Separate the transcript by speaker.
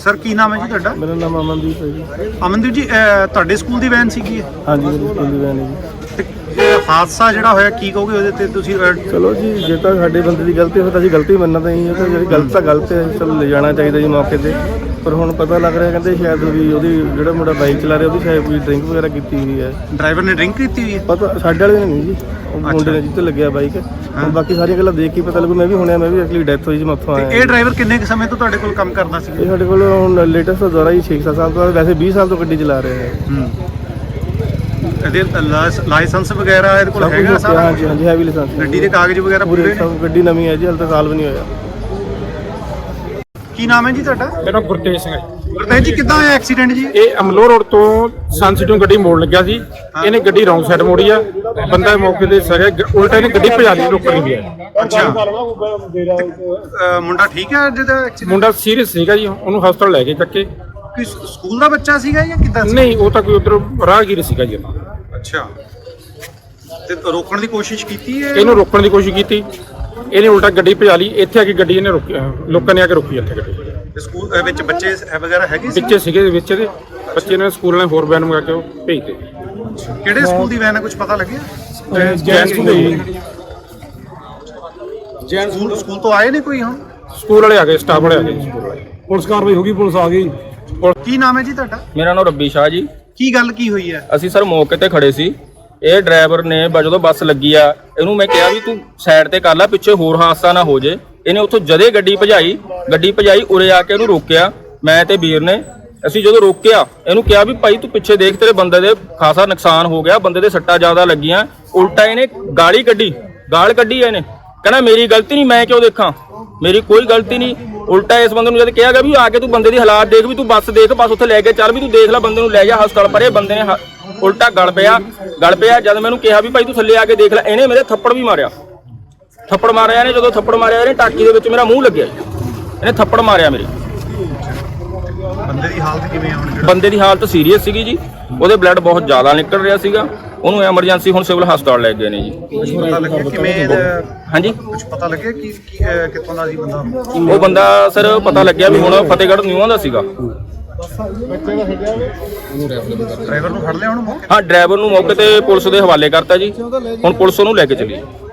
Speaker 1: Sir ਕੀ ਨਾਮ ਹੈ ਜੀ ਤੁਹਾਡਾ?
Speaker 2: ਮੇਰਾ ਨਾਮ ਅਮਨਦੀਪ ਹੈ ਜੀ।
Speaker 1: ਅਮਨਦੀਪ ਜੀ ਤੁਹਾਡੇ ਸਕੂਲ ਦੀ ਵੈਨ ਸੀਗੀ?
Speaker 2: ਹਾਂਜੀ ਮੇਰੀ ਸਕੂਲ ਦੀ ਵੈਨ ਹੈ ਜੀ।
Speaker 1: ਤੇ ਹਾਦਸਾ ਜਿਹੜਾ ਹੋਇਆ ਕੀ ਕਹੋਗੇ ਉਹਦੇ ਤੇ ਤੁਸੀਂ?
Speaker 2: ਚਲੋ ਜੀ, ਜੇ ਤਾਂ ਸਾਡੇ ਬੰਦੇ ਦੀ ਗਲਤੀ ਹੋਵੇ ਤਾਂ ਅਸੀਂ ਗਲਤੀ ਮੰਨਣਾ ਹੀ ਹੈ, ਤਾਂ ਜਿਹੜੀ ਗਲਤ ਤਾਂ ਗਲਤ ਹੈ, ਚਲੋ ਲੈ ਜਾਣਾ ਚਾਹੀਦਾ ਜੀ ਮੌਕੇ ਤੇ। ਪਰ ਹੁਣ ਪਤਾ ਲੱਗ ਰਿਹਾ ਕਹਿੰਦੇ ਸ਼ਾਇਦ ਵੀ ਉਹਦੀ ਜਿਹੜਾ ਮੁੰਡਾ ਬਾਈਕ ਚਲਾ ਰਿਹਾ ਉਹਦੀ ਸ਼ਾਇਦ ਕੋਈ ਡਰਿੰਕ ਵਗੈਰਾ ਕੀਤੀ ਹੋਈ ਹੈ।
Speaker 1: ਡਰਾਈਵਰ ਨੇ ਡਰਿੰਕ ਕੀਤੀ ਹੋਈ ਹੈ?
Speaker 2: ਪਤਾ ਸਾਡੇ ਵਾਲੇ ਨੇ ਨਹੀਂ ਜੀ, ਉਹ ਮੁੰਡੇ ਨੇ ਜਿੱਥੇ ਲੱਗਿਆ ਬਾਈਕ। ਹੁਣ ਬਾਕੀ ਸਾਰੀਆਂ ਗੱਲਾਂ ਦੇਖ ਕੇ ਪਤਾ ਲੱਗੂ। ਮੈਂ ਵੀ ਹੁਣਿਆ, ਮੈਂ ਵੀ ਐਕਚੁਅਲੀ ਡੈਥ ਹੋਈ ਜੀ, ਮੈਂ ਉੱਥੋਂ ਆਇਆ।
Speaker 1: ਇਹ ਡਰਾਈਵਰ ਕਿੰਨੇ ਕੁ ਸਮੇਂ ਤੋਂ ਤੁਹਾਡੇ ਕੋਲ ਕੰਮ ਕਰਦਾ ਸੀ?
Speaker 2: ਇਹ ਸਾਡੇ ਕੋਲ ਹੁਣ ਲੇਟੈਸਟ ਦੁਆਰਾ ਹੀ 6-7 ਸਾਲ ਤੋਂ, ਵੈਸੇ 20 ਸਾਲ ਤੋਂ ਗੱਡੀ ਚਲਾ ਰਿਹਾ ਹੈ।
Speaker 1: ਇਹਦੇ ਲਾਇਸੈਂਸ ਵਗੈਰਾ ਇਹਦੇ ਕੋਲ ਹੈਗਾ ਸਾਰਾ?
Speaker 2: ਹਾਂਜੀ ਹਾਂਜੀ, ਹੈਵੀ ਲਾਇਸੈਂਸ।
Speaker 1: ਗੱਡੀ ਦੇ ਕਾਗਜ਼ ਵਗੈਰਾ ਪੂਰੇ ਨੇ?
Speaker 2: ਗੱਡੀ ਨਵੀਂ ਹੈ ਜੀ, ਹਾਲੇ ਤਾਂ ਸਾਲ ਵੀ ਨਹੀਂ ਹੋਇਆ।
Speaker 1: ਕੀ ਨਾਮ ਹੈ ਜੀ ਤੁਹਾਡਾ?
Speaker 3: ਮੇਰਾ ਗੁਰਤੇਜ ਸਿੰਘ ਹੈ।
Speaker 1: ਗੁਰਤੇਜ ਜੀ, ਕਿੱਦਾਂ ਹੋਇਆ ਐਕਸੀਡੈਂਟ ਜੀ?
Speaker 3: ਇਹ ਅਮਲੋਹ ਰੋਡ ਤੋਂ ਸੰਸਿਟੋਂ ਗੱਡੀ ਮੋੜ ਲੱਗਿਆ ਸੀ, ਇਹਨੇ ਗੱਡੀ ਰੌਂਗ ਸਾਈਡ ਮੋੜੀ ਆ। ਬੰਦਾ ਮੌਕੇ ਤੇ ਸਰਿਆ, ਉਲਟਾ ਇਹਨੇ ਗੱਡੀ ਭਜਾ ਲਈ, ਰੋਕਣ ਨਹੀਂ ਗਿਆ।
Speaker 1: ਅੱਛਾ, ਮੁੰਡਾ ਠੀਕ ਹੈ ਜਿਹਦਾ ਐਕਸੀਡੈਂਟ?
Speaker 3: ਮੁੰਡਾ ਸੀਰੀਅਸ ਸੀਗਾ ਜੀ, ਉਹਨੂੰ ਹਸਪਤਾਲ ਲੈ ਕੇ ਚੱਕੇ।
Speaker 1: ਕੋਈ ਸਕੂਲ ਦਾ ਬੱਚਾ ਸੀਗਾ ਜਾਂ ਕਿੱਦਾਂ ਸੀ?
Speaker 3: ਨਹੀਂ, ਉਹ ਤਾਂ ਕੋਈ ਉਧਰ ਰਾਹਗੀਰ ਸੀਗਾ ਜੀ।
Speaker 1: ਅੱਛਾ, ਤੇ ਰੋਕਣ ਦੀ ਕੋਸ਼ਿਸ਼ ਕੀਤੀ ਹੈ?
Speaker 3: ਇਹਨੂੰ ਰੋਕਣ ਦੀ ਕੋਸ਼ਿਸ਼ ਕੀਤੀ, ਇਹਨੇ ਉਲਟਾ ਗੱਡੀ ਭਜਾ ਲਈ। ਇੱਥੇ ਆ ਕੇ ਗੱਡੀ ਇਹਨੇ ਰੋਕੀ, ਲੋਕਾਂ ਨੇ ਆ ਕੇ ਰੋਕੀ ਇੱਥੇ ਗੱਡੀ।
Speaker 1: ਤੇ ਸਕੂਲ ਵਿੱਚ ਬੱਚੇ ਵਗੈਰਾ ਹੈਗੇ ਸੀ?
Speaker 3: ਬੱਚੇ ਸੀਗੇ ਵਿੱਚ ਦੇ, ਬੱਚੇ ਨੇ ਸਕੂਲ ਵਾਲੇ ਹੋਰ ਵੈਨ ਮੰਗਾ ਕੇ ਉਹ ਭੇਜਦੇ।
Speaker 1: ਕਿਹੜੇ ਸਕੂਲ ਦੀ ਵੈਨ ਹੈ, ਕੁਝ ਪਤਾ ਲੱਗਿਆ? ਸਕੂਲ ਤੋਂ ਆਏ ਨੇ ਕੋਈ? ਹੁਣ
Speaker 3: ਸਕੂਲ ਵਾਲੇ ਆ ਗਏ, ਸਟਾਫ ਵਾਲੇ ਆ ਗਏ, ਸਕੂਲ ਵਾਲੇ।
Speaker 2: ਪੁਲਿਸ ਕਾਰਵਾਈ ਹੋ ਗਈ, ਪੁਲਿਸ ਆ ਗਈ।
Speaker 1: ਕੀ ਨਾਮ ਹੈ ਜੀ ਤੁਹਾਡਾ?
Speaker 4: ਮੇਰਾ ਨਾਮ ਰੱਬੀ ਸ਼ਾਹ ਜੀ।
Speaker 1: ਕੀ ਗੱਲ ਕੀ ਹੋਈ ਹੈ?
Speaker 4: ਅਸੀਂ ਸਰ ਮੌਕੇ ਤੇ ਖੜੇ ਸੀ। ਇਹ ਡਰਾਈਵਰ ਨੇ ਜਦੋਂ ਬੱਸ ਲੱਗੀ ਆ, ਇਹਨੂੰ ਮੈਂ ਕਿਹਾ ਵੀ ਤੂੰ ਸਾਈਡ ਤੇ ਕਰ ਲੈ, ਪਿੱਛੇ ਹੋਰ ਹਾਦਸਾ ਨਾ ਹੋ ਜੇ। ਇਹਨੇ ਉੱਥੋਂ ਜਦੇ ਗੱਡੀ ਭਜਾਈ, ਉਰੇ ਆ ਕੇ ਇਹਨੂੰ ਰੋਕਿਆ। ਮੈਂ ਤੇ ਵੀਰ ਨੇ ਅਸੀਂ ਜਦੋਂ ਰੋਕਿਆ, ਇਹਨੂੰ ਕਿਹਾ ਵੀ ਭਾਈ ਤੂੰ ਪਿੱਛੇ ਦੇਖ, ਤੇਰੇ ਬੰਦੇ ਦੇ ਖਾਸਾ ਨੁਕਸਾਨ ਹੋ ਗਿਆ, ਬੰਦੇ ਦੇ ਸੱਟਾਂ ਜ਼ਿਆਦਾ ਲੱਗੀਆਂ। ਉਲਟਾ ਇਹਨੇ ਗਾਲ ਕੱਢੀ ਇਹਨੇ, ਕਹਿੰਦਾ ਮੇਰੀ ਗਲਤੀ ਨਹੀਂ, ਮੈਂ ਕਿਉਂ ਦੇਖਾਂ, ਮੇਰੀ ਕੋਈ ਗਲਤੀ ਨਹੀਂ। ਉਲਟਾ ਇਸ ਬੰਦੇ ਨੂੰ ਜਦ ਕਿਹਾ ਗਿਆ ਵੀ ਆ ਕੇ ਤੂੰ ਬੰਦੇ ਦੀ ਹਾਲਾਤ ਦੇਖ, ਵੀ ਤੂੰ ਬੱਸ ਦੇਖ, ਬੱਸ ਉੱਥੇ ਲੈ ਕੇ ਚੱਲ, ਵੀ ਤੂੰ ਦੇਖ ਲੈ, ਬੰਦੇ ਨੂੰ ਲੈ ਜਾ ਹਸਪਤਾਲ। ਪਰ ਇਹ ਬੰਦੇ ਨੇ ਉਲਟਾ ਗਲ ਪਿਆ। ਜਦ ਮੈਨੂੰ ਕਿਹਾ ਵੀ ਭਾਈ ਤੂੰ ਥੱਲੇ ਆ ਕੇ ਦੇਖ ਲੈ, ਇਹਨੇ ਮੇਰੇ ਥੱਪੜ ਮਾਰਿਆ ਇਹਨੇ। ਜਦੋਂ ਥੱਪੜ ਮਾਰਿਆ ਇਹਨੇ, ਟਾਕੀ ਦੇ ਵਿੱਚ ਮੇਰਾ ਮੂੰਹ ਲੱਗਿਆ, ਇਹਨੇ ਥੱਪੜ ਮਾਰਿਆ ਮੇਰੇ।
Speaker 1: ਬੰਦੇ ਦੀ ਹਾਲਤ ਕਿਵੇਂ ਆ?
Speaker 4: ਬੰਦੇ ਦੀ ਹਾਲਤ ਸੀਰੀਅਸ ਸੀਗੀ ਜੀ, ਉਹਦੇ ਬਲੱਡ ਬਹੁਤ ਜ਼ਿਆਦਾ ਨਿਕਲ ਰਿਹਾ ਸੀਗਾ। ਉਹਨੂੰ ਐਮਰਜੈਂਸੀ ਹੁਣ ਸਿਵਲ ਹਸਪਤਾਲ ਲੈ ਗਏ ਨੇ ਜੀ।
Speaker 1: ਪਤਾ ਲੱਗਿਆ ਕਿਵੇਂ?
Speaker 4: ਹਾਂਜੀ,
Speaker 1: ਕੁਝ ਪਤਾ ਲੱਗਿਆ ਕਿ ਕਿੱਥੋਂ ਦਾ ਸੀ ਬੰਦਾ?
Speaker 4: ਉਹ ਬੰਦਾ ਸਰ ਪਤਾ ਲੱਗਿਆ ਵੀ ਹੁਣ ਫਤਿਹਗੜ੍ਹ ਨਿਊਆਂ ਦਾ ਸੀਗਾ।
Speaker 1: ਡਰਾਈਵਰ ਨੂੰ ਫੜ ਲਿਆ ਹੁਣ?
Speaker 4: ਹਾਂ, ਡਰਾਈਵਰ ਨੂੰ ਮੌਕੇ ਤੇ ਪੁਲਿਸ ਦੇ ਹਵਾਲੇ ਕਰਤਾ ਜੀ। ਹੁਣ ਪੁਲਿਸ ਉਹਨੂੰ ਲੈ ਕੇ ਚੱਲੀ।